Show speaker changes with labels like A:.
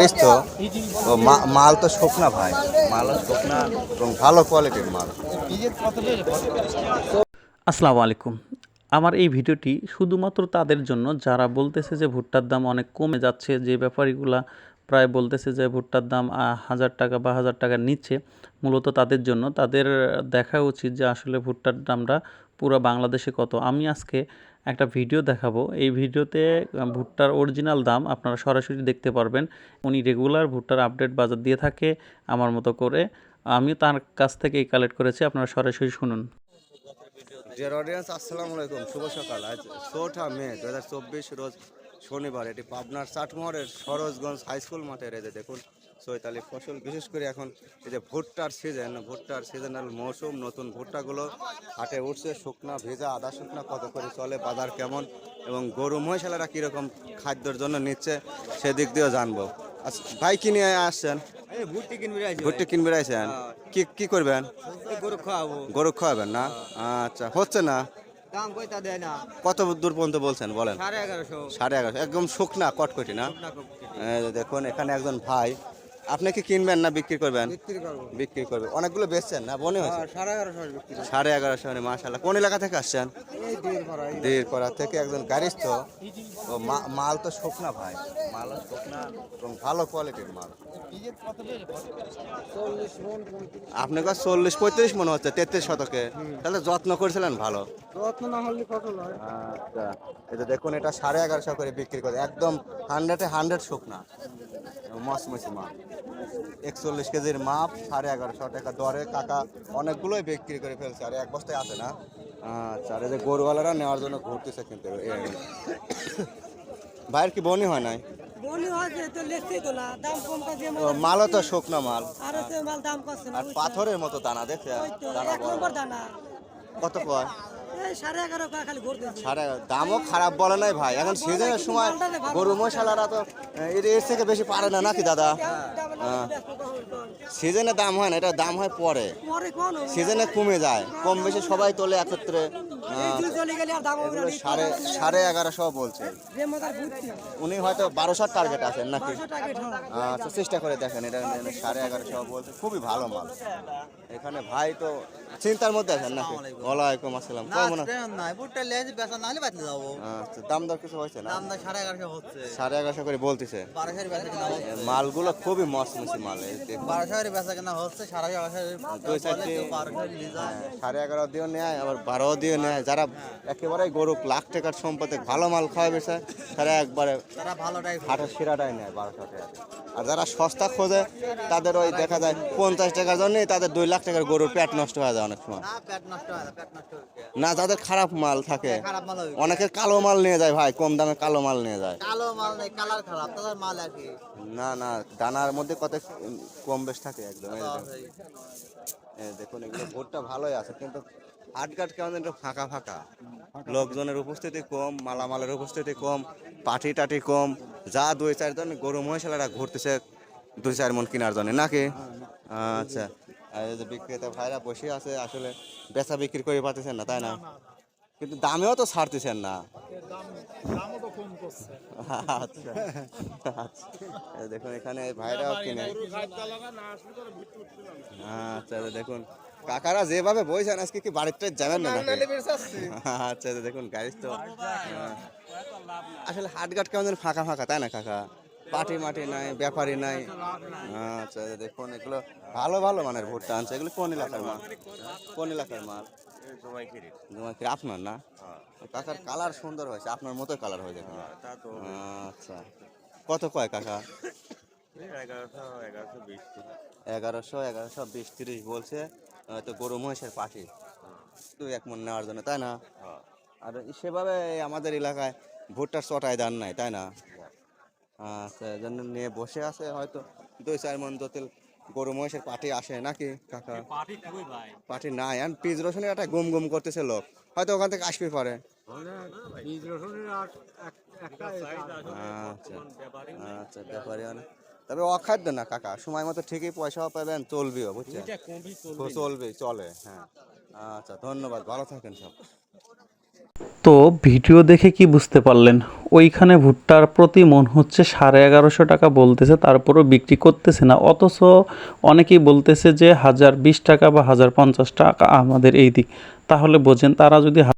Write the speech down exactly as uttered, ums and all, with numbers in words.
A: গাড়িস তো ও মা- মাল তো শুকনা ভাই, মাল শুকনা এবং ভালো কোয়ালিটির মাল।
B: আসসালামু আলাইকুম। আমার এই ভিডিওটি শুধুমাত্র তাদের জন্য যারা বলতেছে যে ভুট্টার দাম অনেক কমে যাচ্ছে, যে ব্যাপারীগুলা প্রায় বলতেছে যে ভুট্টার দাম আহ, হাজার টাকা বা হাজার টাকার নিচে, মূলত তাদের জন্য। তাদের দেখা উচিত যে আসলে ভুট্টার দামটা পুরো বাংলাদেশে কত। আমি আজকে একটা ভিডিও দেখাবো, এই ভিডিওতে আহ, ভুট্টার অরিজিনাল দাম আপনারা সরাসরি দেখতে পারবেন। উনি রেগুলার ভুট্টার আপডেট বাজার দিয়ে থাকে আমার মতো করে। আমি তার কাছ থেকেই কালেক্ট করেছি, আপনারা সরাসরি শুনুন।
A: ডিয়ার অডিয়েন্স, আসসালামু আলাইকুম, শুভ সকাল। আজ চৌঠা মে দু হাজার চব্বিশ রোজ শনিবার। এটি পাবনার চাটমোহরের সরোজগঞ্জ হাই স্কুল মাঠে রেজে দেখুন চৈতালি ফসল, বিশেষ করে এখন এই যে ভুট্টার সিজন, ভুট্টার সিজনাল মৌসুম, নতুন ভুট্টাগুলো হাটে উঠছে। শুকনা ভেজা আদা শুকনা কত করে চলে, বাজার কেমন এবং গরু মহিষালারা কীরকম খাদ্যের জন্য নিচ্ছে সেদিক দিয়েও জানবো। আচ্ছা ভাই, কি নিয়ে আসছেন?
C: ভুট্টি কিনবি রাইছে
A: ভুট্টি কিনবে আইছেন? কি কি করবেন?
C: গরু খাওয়াবো।
A: গরু খাওয়াবেন না? আচ্ছা, হচ্ছে না?
C: দাম কইতা দেয় না।
A: কত দূর পর্যন্ত বলছেন বলেন?
C: সাড়ে এগারোশো।
A: সাড়ে এগারোশো, একদম শুকনা কটকটি না?
C: শুকনা কপি।
A: এই যে দেখুন এখানে একজন ভাই, আপনি কি কিনবেন না বিক্রি করবেন?
C: বিক্রি করবো।
A: বিক্রি করবে। অনেকগুলো বেচছেন না মনে হয়েছে?
C: হ্যাঁ, সাড়ে এগারোশো বিক্রি করবো।
A: সাড়ে এগারোশো মানে মাশাআল্লাহ। কোন এলাকা থেকে আসছেন?
C: এই দেড় ভরা এই
A: দেড়পাড়া থেকে একজন গাড়িস্থ। ও মা- মাল তো শুকনা ভাই, মাল শুকনা এবং ভালো কোয়ালিটির মাল।
C: চল্লিশ মন পঁয়ত্রিশ।
A: আপনার কাছে চল্লিশ পঁয়ত্রিশ মনে হচ্ছে তেত্রিশ শতকে, তাহলে যত্ন করেছিলেন ভালো।
C: রত্ন না হলে ফসল হয়।
A: আচ্ছা, এই যে দেখুন এটা সাড়ে এগারোশো করে বিক্রি করে, একদম হান্ড্রেডে হান্ড্রেড শুকনা মসমসি মাল। একচল্লিশ কেজির মাপ, সাড়ে এগারোশো টাকা দরে কাকা অনেকগুলোই বিক্রি করে ফেলছে, আর এক বস্তায় আছে না। আচ্ছা, আর এই যে গরুওয়ালারা নেওয়ার জন্য ঘুরতেছে কিন্তু। ভাইয়ের কি বনি হয় নাই?
D: বলি হয়েছে তো লেখছি তো না, দাম কম কাজে
A: ও, মালও তো শুকনো মাল,
D: আর হচ্ছে মাল দাম করছে না,
A: আর পাথরের মতো দানা দেখছে,
D: ওই তো
A: দানা
D: এক
A: বড়।
D: নম্বর দানা
A: কত কয়?
D: এই সাড়ে এগারো টাকা খালি ঘুরতে
A: সাড়ে দামও খারাপ বলে নাই ভাই, এখন সিজনের সময় গরু মশালারা তো এর এর থেকে বেশি পারে না নাকি দাদা? সিজনে দাম হয় না, এটা দাম হয় পরে,
D: পরে কোন
A: সিজনে কমে যায়, কম বেশি সবাই তোলে একত্রে। আহ,
D: চলে গেলে আর দাম হবে না,
A: এগুলো সাড়ে সাড়ে এগারোশো বলছে।
D: যে মজার ঘুরতে
A: উনি হয়তো বারোশোর টার্গেট আছেন নাকি?
D: পাঁচশো টাকা ঠাও
A: আচ্ছা, চেষ্টা করে দেখেন, এটা সাড়ে এগারোশো বলছে, খুবই ভালো মাল। এখানে ভাই তো চিন্তার মধ্যে আছেন নাকি? ওয়ালাইকুম আসসালাম, কেমন আছেন?
C: নাই ভুট্টা লেজ বেচা নাহলে বাতলে যাবো।
A: আচ্ছা, দাম দর কিছু হয়েছে না?
C: দাম না সাড়ে এগারোশো হচ্ছে।
A: সাড়ে এগারোশো করে বলতেছে।
C: বারোশোর বেচা কেনা হচ্ছে।
A: মালগুলো খুবই মসমসি মাল, এই দেখুন।
C: বারোশোর বেচা কেনা হচ্ছে, সাড়ে এগারোশো
A: দুই চারটি
C: বারোশোর নিয়ে যায়।
A: সাড়ে এগারো দিয়েও নেয়, আবার বারো দিয়ে নেয়। যারা একেবারে গরু লাখ টাকার সম্পদে ভালো মাল খাওয়া বেছে, তারা একবারে
C: তারা ভালোটাই
A: হাটের সেরাটাই নেয় বারোশো টাকা। আর যারা সস্তা খোঁজে তাদের ওই দেখা যায় পঞ্চাশ টাকার জন্যই তাদের দুই লাখ টাকার গরুর পেট নষ্ট হয়ে যায় অনেক সময়।
C: না পেট নষ্ট হয় না, পেট নষ্ট হচ্ছে।
A: না, যাদের খারাপ মাল থাকে,
C: খারাপ মাল হবে।
A: অনেকের কালো মাল নিয়ে যায় ভাই, কম দামে কালো মাল নিয়ে যায়।
C: কালো মাল নেই, কালার খারাপ, তাদের মাল আর কি।
A: না না, দানার মধ্যে কত কম বেশ থাকে একদম। এই দেখুন, এই দেখুন এগুলো ভোটটা ভালোই আছে, কিন্তু হাটঘাট কেমন একটু ফাঁকা ফাঁকা, লোকজনের উপস্থিতি কম, মালামালের উপস্থিতি কম, পাটি টাটি কম। যা দুই চারজন গরু মহিষালারা ঘুরতেছে দুই চার মন কেনার জন্য নাকি? আচ্ছা, আর এই যে বিক্রেতা ভাইরা বসে আছে, আসলে বেচা বিক্রি করে পারতেছেন না তাই না? কিন্তু দামেও তো ছাড়তেছেন না। আচ্ছা আচ্ছা, এই দেখুন এখানে ভাইরাও কিনে। আচ্ছা, এই দেখুন কাকারা যেভাবে বইছেন, আজকে কি বাড়িতে যাবেন না নাকি? আচ্ছা, এই দেখুন গাড়ি তো আহ, আসলে হাটঘাট কেমন যেন ফাঁকা ফাঁকা তাই না কাকা? পাটি মাটি নাই, ব্যাপারী নাই। আচ্ছা, এই দেখুন এগুলো ভালো ভালো মানের ভুট্টা আনছে। এগুলো কোন এলাকার মাল? কোন এলাকার মাল? জমাইখিরি। আপনার না? কাকার কালার সুন্দর হয়েছে, আপনার মতো কালার হয়ে যাবে। আচ্ছা, কত কয় কাকা? এগারোশো এগারোশো বিশ তিরিশ বলছে। তো গরু মহিষের পাটি তুই এক মন নেওয়ার জন্য তাই না? আর সেভাবে আমাদের এলাকায় ভুট্টার চটাই দান নাই তাই না? আচ্ছা, এই জন্য নিয়ে বসে আছে, হয়তো দুই চার মন জটিল গরু মহিষের পাটি আসে নাকি কাকা? পাটি নাই, আর পিজ রসুনের একটা গুম গুম করতেছে লোক, হয়তো ওখান থেকে আসবে পারে। আচ্ছা আচ্ছা, ব্যাপারী অনেক, তবে অখাদ্য না কাকা, সময় মতো ঠিকই পয়সাও পাবেন, চলবেও বুঝছেন, চলবে চলে। হ্যাঁ, আচ্ছা ধন্যবাদ, ভালো থাকেন সব।
B: তো ভিডিও দেখে কি বুঝতে পারলেন? ওইখানে ভুট্টার প্রতি মন হচ্ছে সাড়ে এগারোশো টাকা বলতেছে, তারপরও বিক্রি করতেছে না। অথচ অনেকেই বলতেছে যে হাজার বিশ টাকা বা হাজার পঞ্চাশ টাকা আমাদের এই দিক। তাহলে বোঝেন তারা যদি